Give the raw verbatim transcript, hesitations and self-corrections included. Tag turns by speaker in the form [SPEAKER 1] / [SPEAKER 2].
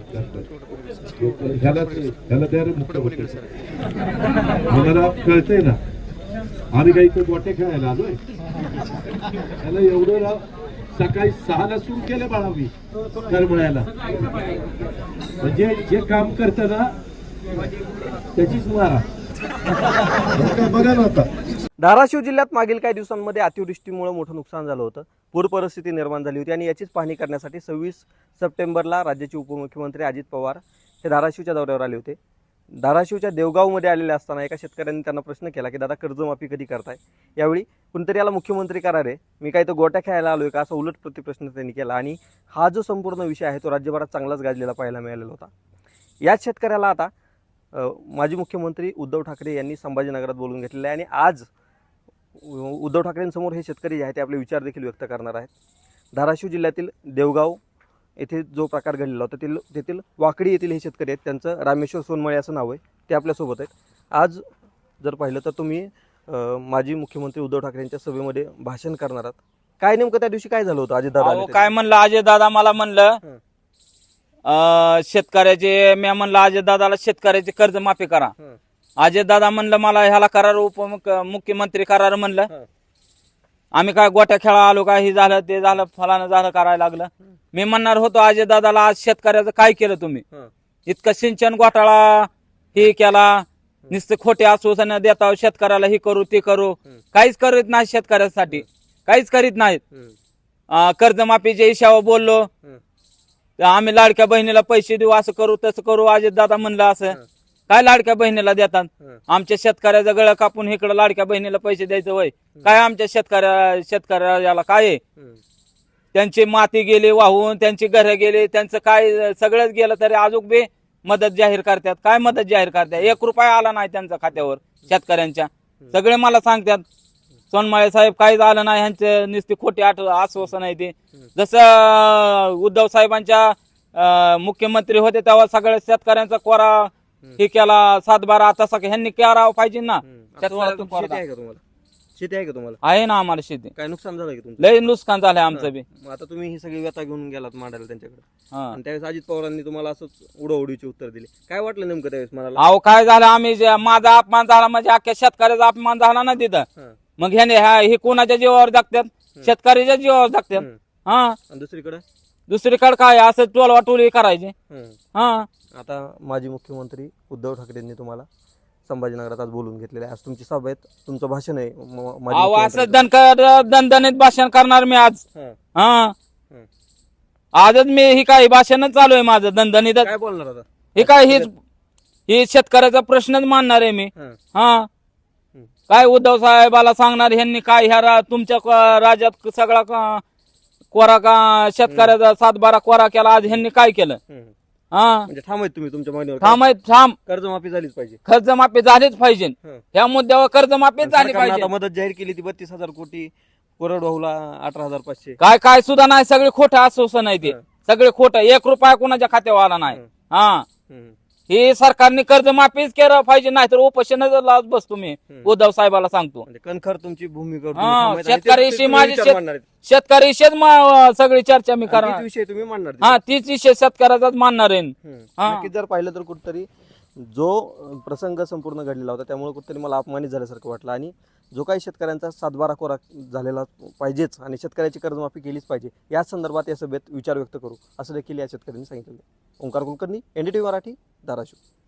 [SPEAKER 1] ह्याला ह्याला द्या रे मुख्यमंत्री. मला कळतंय ना, आम्ही काही इथं गोटे खेळायला आलोय. त्याला एवढं राव सकाळी सहाला सुरू केलं बाळावी करमळ्याला. म्हणजे जे काम करत ना त्याचीच मारा. बघा ना आता
[SPEAKER 2] धाराशिव जिल्ह्यात मागील काही दिवसांमध्ये अतिवृष्टीमुळे मोठं नुकसान झालं होतं. पूर परिस्थिती निर्माण झाली होती आणि याचीच पाहणी करण्यासाठी सव्वीस सप्टेंबरला राज्याचे उपमुख्यमंत्री अजित पवार हे धाराशिवच्या दौऱ्यावर आले होते. धाराशिवच्या देवगावमध्ये आलेले असताना एका शेतकऱ्यांनी त्यांना प्रश्न केला की दादा कर्जमाफी कधी करताय. यावेळी कुणीतरी याला मुख्यमंत्री करा रे, मी काय तो गोट्या खेळायला आलोय का, असा उलट प्रतिप्रश्न त्यांनी केला. आणि हा जो संपूर्ण विषय आहे तो राज्यभरात चांगलाच गाजलेला पाहायला मिळालेला होता. याच शेतकऱ्याला आता माजी मुख्यमंत्री उद्धव ठाकरे यांनी संभाजीनगरात बोलून घेतलेलं आहे आणि आज उद्धव ठाकरेंसमोर हे शेतकरी जे आहेत ते आपले विचार देखील व्यक्त करणार आहेत. धाराशिव जिल्ह्यातील देवगाव येथे जो प्रकार घडलेला होता तेथील तेथील वाकडी येथील हे शेतकरी आहेत. त्यांचं रामेश्वर सोनमळे असं नाव आहे. ते आपल्यासोबत आहेत. आज जर पाहिलं तर तुम्ही माजी मुख्यमंत्री उद्धव ठाकरेंच्या सभेमध्ये भाषण करणार आहात. काय नेमकं त्या दिवशी काय झालं होतं अजित दादा?
[SPEAKER 3] काय म्हणलं अजय दादा मला म्हणलं शेतकऱ्याचे, मी म्हणलं अजय दादाला शेतकऱ्याचे कर्ज माफी करा. अजय दादा म्हणलं मला ह्याला करार उपमुख्यमंत्री करार म्हणलं. आम्ही काय गोट्या खेळा आलो काय, हे झालं ते झालं फलानं झालं करायला लागलं. मी म्हणणार होतो अजय दादाला आज शेतकऱ्याचं काय केलं तुम्ही, इतकं सिंचन घोटाळा हे केला, नुसते खोटे आश्वासन देता शेतकऱ्याला हे करू ते करू, काहीच करीत नाही शेतकऱ्यासाठी, काहीच करीत नाहीत. कर्जमाफीच्या हिशावर बोललो, आम्ही लाडक्या बहिणीला पैसे देऊ, असं करू तसं करू. अजित दादा म्हणलं असं काय लाडक्या बहिणीला देतात, आमच्या शेतकऱ्याचं गळ कापून इकडं लाडक्या बहिणीला पैसे द्यायचं वय काय, आमच्या शेतकऱ्या शेतकऱ्याला काय, त्यांची माती गेली वाहून, त्यांची घरं गेली, त्यांचं काय सगळंच गेलं तरी अजून बी मदत जाहीर करतात. काय मदत जाहीर करतात, एक रुपया आला नाही त्यांच्या खात्यावर शेतकऱ्यांच्या. सगळे मला सांगतात सोनमाळे साहेब काहीच आलं नाही, ह्यांचे नुसती खोटी आठ आश्वासन आहे ते. जसं उद्धव साहेबांच्या मुख्यमंत्री होते तेव्हा सगळ्या शेतकऱ्यांचा कोरा हे केला सात बारा, आता सगळं ह्यांनी करावं पाहिजे ना.
[SPEAKER 2] शेती आहे का तुम्हाला? शेती आहे का तुम्हाला?
[SPEAKER 3] आहे ना आम्हाला शेती.
[SPEAKER 2] काय नुकसान झालं की तुमचं?
[SPEAKER 3] लय नुकसान झालंय आमचं बी.
[SPEAKER 2] आता तुम्ही ही सगळी व्यथा घेऊन गेलात मांडायला त्यांच्याकडे,
[SPEAKER 3] हा.
[SPEAKER 2] आणि त्यावेळेस अजित पवारांनी तुम्हाला असंच उडवडीचे उत्तर दिले. काय वाटलं नेमकं त्यावेळेस मला?
[SPEAKER 3] अहो काय झालं, आम्ही जे- माझा अपमान झाला म्हणजे अख्ख्या शेतकऱ्याचा अपमान झाला ना तिथं. मग ह्याने हे कोणाच्या जीवावर जगतात, शेतकऱ्याच्या जीवावर जगतात. हा,
[SPEAKER 2] आणि दुसरीकडे
[SPEAKER 3] दुसरीकडे काय असं टोलवा टोली करायची. हा,
[SPEAKER 2] आता माजी मुख्यमंत्री उद्धव ठाकरेंनी तुम्हाला संभाजीनगरात आज बोलून घेतलेलं आहे. आज तुमची सभा आहे, तुमचं भाषण आहे. म- माजी
[SPEAKER 3] अहो
[SPEAKER 2] मुख्यमंत्री-
[SPEAKER 3] असं दणकर दणदणीत भाषण करणार मी आज.
[SPEAKER 2] हा.
[SPEAKER 3] हा, आजच मी ही काय भाषणच चालू आहे माझं दणदणीत.
[SPEAKER 2] काय बोलणार आता?
[SPEAKER 3] हे काय हेच हे शेतकऱ्याचा प्रश्नच मानणार आहे मी.
[SPEAKER 2] हा.
[SPEAKER 3] हा, काय उद्धव साहेबाला सांगणार ह्यांनी काय ह्या रा- तुमच्या क- राज्यात सगळा क- कोरा का शेतकऱ्याचा सात बारा कोरा केला, आज ह्यांनी काय केलं.
[SPEAKER 2] हम्म.
[SPEAKER 3] हा,
[SPEAKER 2] म्हणजे थांबायचं तुम्ही तुमच्या मागणीवर?
[SPEAKER 3] थांब थांब
[SPEAKER 2] कर्जमाफी झालीच पाहिजे.
[SPEAKER 3] कर्जमाफी झालीच पाहिजे.
[SPEAKER 2] हं.
[SPEAKER 3] ह्या मुद्द्यावर कर्जमाफी झाली
[SPEAKER 2] सरकारनं
[SPEAKER 3] पाहिजे.
[SPEAKER 2] आता मदत जाहीर केली ती बत्तीस हजार कोटी, कोरडवाहूला अठरा हजार पाचशे.
[SPEAKER 3] काय काय सुद्धा नाही, सगळे खोटं आश्वासन आहे ते.
[SPEAKER 2] हं.
[SPEAKER 3] सगळे खोटं, एक रुपया कोणाच्या खात्यावर आला नाही.
[SPEAKER 2] हं.
[SPEAKER 3] हा,
[SPEAKER 2] हम्म.
[SPEAKER 3] हे सरकारने कर्जमाफीच केलं पाहिजे, नाही तर उपोषणच लावत बसतो मी.
[SPEAKER 2] हं.
[SPEAKER 3] उद्धव साहेबाला सांगतो.
[SPEAKER 2] म्हणजे कणखर तुमची भूमिका तुम्ही
[SPEAKER 3] हा,
[SPEAKER 2] थांबायचं आणि
[SPEAKER 3] शेतकऱ्याशी
[SPEAKER 2] ते- ते
[SPEAKER 3] माझी
[SPEAKER 2] विचार
[SPEAKER 3] शेत-
[SPEAKER 2] मांडणार आहेत.
[SPEAKER 3] शेतकऱ्याशीच म- सगळी चर्चा मी
[SPEAKER 2] आणि
[SPEAKER 3] करणार.
[SPEAKER 2] तीच विषय तुम्ही मांडणार
[SPEAKER 3] हा,
[SPEAKER 2] तिथे.
[SPEAKER 3] तीच विषय शेतकऱ्याचाच मानणार आहे.
[SPEAKER 2] हम्म.
[SPEAKER 3] हा.
[SPEAKER 2] नक्कीच जर पाहिलं तर कुठतरी जो प्रसंग संपूर्ण घडलेला होता त्यामुळे कुठतरी मला अपमानित झाल्यासारखं वाटलं. आणि जो काही शेतकऱ्यांचा सातबारा कोरा झालेला पाहिजेच आणि शेतकऱ्याची कर्जमाफी केलीच पाहिजे, या संदर्भात या सभेत विचार व्यक्त करू असं देखील या शेतकऱ्यांनी सांगितलं. ओंकार कुलकर्णी, एनडीटीव्ही मराठी, धाराशिव.